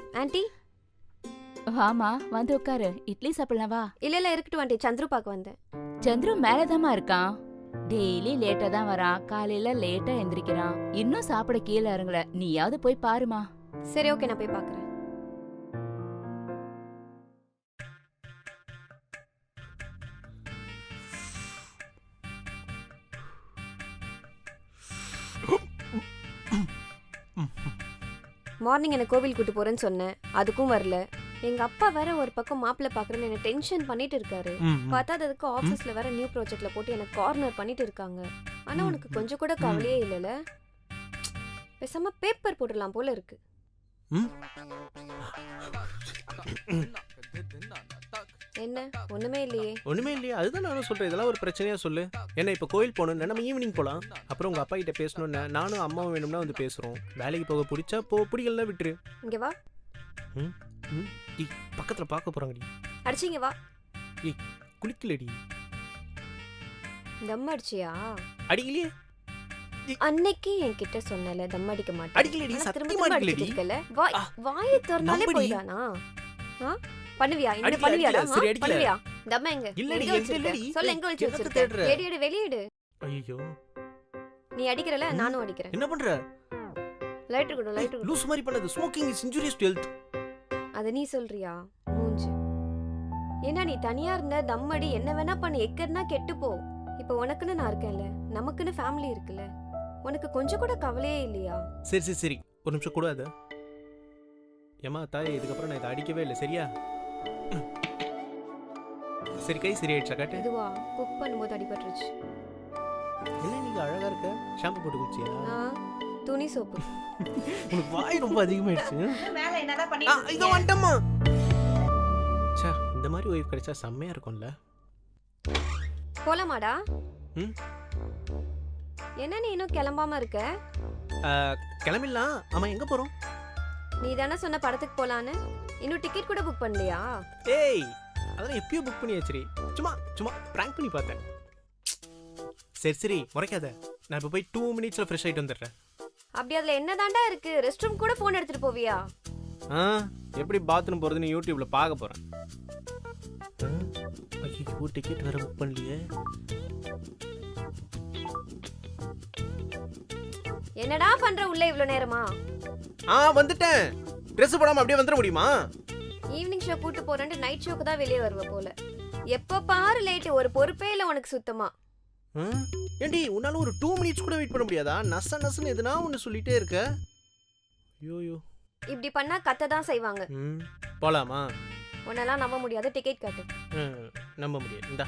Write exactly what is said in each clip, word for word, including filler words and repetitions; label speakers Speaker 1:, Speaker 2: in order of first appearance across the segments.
Speaker 1: Aunty
Speaker 2: வாமா வந்து உட்காரு. இட்லி சாப்பிடலாம் வா.
Speaker 1: இல்ல இல்ல இருக்கட்டும் ஆண்டி, சந்துரு பார்க்க வந்தேன்.
Speaker 2: சந்துரு மேலதாம்மா இருக்கான். டெய்லி லேட்டா தான் வரான். காலையில லேட்டா எந்திரிக்கிறான். இன்னும் சாப்பிட கீழே இறங்கல. நீயாவது போய் பாருமா.
Speaker 1: சரி ஓகே, நான் போய் பார்க்கறேன். மார்னிங் என்ன கோவில் கூட்டு போறேன்னு சொன்னேன், அதுக்கும் வரல. எங்க அப்பா வேற ஒரு பக்கம் மாப்பிள்ள பாக்குறேன்னு என்ன டென்ஷன் பண்ணிட்டு இருக்காரு. பத்தாததுக்கு ஆபீஸ்ல வேற நியூ ப்ராஜெக்ட்ல போட்டு எனக்கு கார்னர் பண்ணிட்டு இருக்காங்க. ஆனா உனக்கு கொஞ்சம் கூட கவலையே இல்லல. பேசாம பேப்பர் போட்டுடலாம் போல இருக்கு. என்ன ஒண்ணுமே இல்லையே.
Speaker 3: ஒண்ணுமே இல்லையா? அதுதான் நானும் சொல்றேன். இதெல்லாம் ஒரு பிரச்சனையா சொல்லு. என்ன இப்ப கோயில் போகணும், நம்ம ஈவினிங் போலாம். அப்புறம் உங்க அப்பா கிட்ட பேசணும்னா நானும் அம்மாவும் வேணும்னா வந்து பேசுறோம். வேலைக்கு போக பிடிச்சா போ, பிடிக்கலன்னா விட்டுரு.
Speaker 1: இங்க வா.
Speaker 3: ம் ம் டி பக்கத்துல பார்க்க போறாங்கடி.
Speaker 1: அடிச்சிங்க வா.
Speaker 3: ஏய் குளிக்கலடி.
Speaker 1: தம் அடிச்சியா?
Speaker 3: அடிக்கலையே.
Speaker 1: அன்னைக்கு என்கிட்ட சொன்னல தம் அடிக்க மாட்டேன்.
Speaker 3: அடிக்கலடி, சத்தியமா அடிக்கலடி.
Speaker 1: வாய் வாயை திறந்தாலே போய்டானா? ஆ பண்ணுவியா? என்ன பண்ணுவியாடா? பண்ணுவியா? தம் எங்க?
Speaker 3: இல்லடி, இல்லடி.
Speaker 1: சொல்ல எங்க வச்சு வச்சிருக்க? வெளியேடு வெளியேடு.
Speaker 3: ஐயோ
Speaker 1: நீ அடிக்கறல, நானும் அடிக்கறேன்.
Speaker 3: என்ன பண்ற?
Speaker 1: லைட் கொடு, லைட் கொடு.
Speaker 3: லூஸ் மாதிரி பண்ணாத. Smoking is injurious to health.
Speaker 1: அத நீ சொல்றியா? மூஞ்சி. என்ன நீ தனியா இருந்த தம் அடி, என்ன வேணா பண்ணு, எக்கறனா கெட்டு போ. இப்போ உனக்குன்னு நான் இருக்கேன்ல, நமக்குன்னு ஃபேமிலி இருக்குல்ல. உனக்கு கொஞ்சம் கூட கவலையே இல்லையா?
Speaker 3: சரி சரி சரி, ஒரு நிமிஷம் கூட. அது ஏமா தாயே, இதுக்கப்புறம் நான் இதை அடிக்கவே இல்லை சரியா? சரி கை சரியாயிடுச்சா? காட்டு.
Speaker 1: இதுவா குக் பண்ணும்போது அடிபட்டுருச்சு.
Speaker 3: என்ன நீங்க அழகா இருக்க. ஷாம்பு போட்டு குளிச்சியா?
Speaker 1: துணி சோப்பு.
Speaker 3: உனக்கு வாய் ரொம்ப அதிகமாயிடுச்சு.
Speaker 4: மேல என்னடா பண்ணிட்டு
Speaker 3: இருக்கீங்க? இதோ வந்துட்டம்மா. சே, இந்த மாதிரி ஒய்ஃப் கிடைச்சா செம்மையா இருக்கும்ல.
Speaker 1: போலாமாடா?
Speaker 3: ம்
Speaker 1: என்ன நீ இன்னும் கிளம்பாம இருக்க?
Speaker 3: கிளம்பிடலாம். ஆமா எங்க போறோம்?
Speaker 1: நீ தானே சொன்ன படத்துக்கு போலான்னு. இன்னும் டிக்கெட் கூட புக் பண்ணலையா?
Speaker 3: ஏய் அதெல்லாம் எப்பயோ புக் பண்ணி வச்சிரி. சும்மா சும்மா பிராங்க் பண்ணி பார்த்தேன். சரி சரி முறைக்காத. நான் இப்போ போய் டூ மினிட்ஸ்ல ஃப்ரெஷ் ஆயிட்டு வந்துடுறேன்.
Speaker 1: அப்படி அதுல என்னதாண்டா இருக்கு? ரெஸ்ட் ரூம் கூட போன் எடுத்துட்டு போவியா?
Speaker 3: ஆ எப்படி பாத்ரூம் போறதுன்னு யூடியூப்ல பார்க்க போறேன். ஐயோ டிக்கெட் வேற புக் பண்ணலையே.
Speaker 1: என்னடா பண்ற உள்ள இவ்வளவு நேரமா?
Speaker 3: ஆ வந்துட்டேன். Dress போடாம அப்படியே வந்துட முடியுமா?
Speaker 1: ஈவினிங் ஷோ கூட்டி போறேன்னு நைட் ஷோக்கு தான் வெளியே வருவ போல. எப்ப பாரு லேட், ஒரு பொறுப்பே இல்ல உனக்கு சுத்தமா.
Speaker 3: ஏண்டி உன்னால ஒரு டூ மினிட்ஸ் கூட வெயிட் பண்ண முடியாதா? நச நசன்னு எதுனா ஒன்னு சொல்லிட்டே இருக்க. ஐயோ
Speaker 1: இப்படி பண்ணா கத்த தான் செய்வாங்க.
Speaker 3: ம் போலாமா?
Speaker 1: உன்னெல்லாம் நம்ப முடியாது. டிக்கெட் காட்டு.
Speaker 3: நம்ப முடியாது. இந்தா.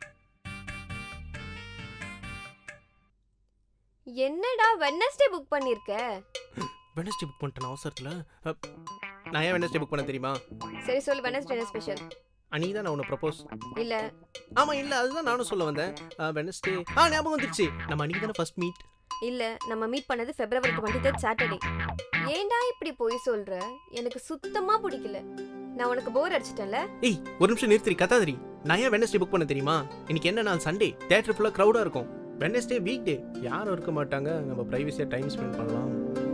Speaker 1: என்னடா வெட்னஸ்டே புக் பண்ணிருக்க?
Speaker 3: வெட்னஸ்டே புக் பண்ணிட்டேன் அவசரத்துல. நான் ஏன் வெட்னஸ்டே புக் பண்ண தெரியுமா?
Speaker 1: சரி சொல்லு, வெட்னஸ்டே என்ன ஸ்பெஷல்?
Speaker 3: அன்னைக்கு தான் நான் உன்னை ப்ரப்போஸ்.
Speaker 1: இல்ல.
Speaker 3: ஆமா இல்ல, அதுதான் நானும் சொல்ல வந்தேன். வெட்னஸ்டே ஆ ஞாபகம் வந்துருச்சு. நம்ம அன்னைக்கு தான ஃபர்ஸ்ட் மீட்.
Speaker 1: இல்ல, நம்ம மீட் பண்ணது ஃபெப்ரவரி இருபத்தி மூன்றாம் சாட்டர்டே. ஏன்டா இப்படி போய் சொல்ற? எனக்கு சுத்தமா பிடிக்கல. நான் உனக்கு போர் அடிச்சிட்டேன்ல.
Speaker 3: ஏய் ஒரு நிமிஷம் நிறுத்தி கத்தாதரி. நான் ஏன் வெட்னஸ்டே புக் பண்ண தெரியுமா? இன்னைக்கு என்ன நாள்? சண்டே. தியேட்டர் ஃபுல்லா கிரவுடா இருக்கும். வெட்னஸ்டே வீக் டே, யாரும் இருக்க மாட்டாங்க. நம்ம பிரைவசியா டைம் ஸ்பெண்ட் பண்ணலாம்.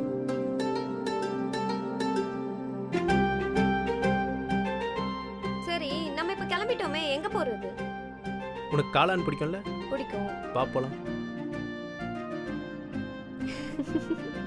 Speaker 1: சரி நம்ம இப்ப கிளம்பிட்டோமே, எங்க போறது?
Speaker 3: உனக்கு காளான் பிடிக்கும்ல?
Speaker 1: பிடிக்கும்.
Speaker 3: வா போலாம்.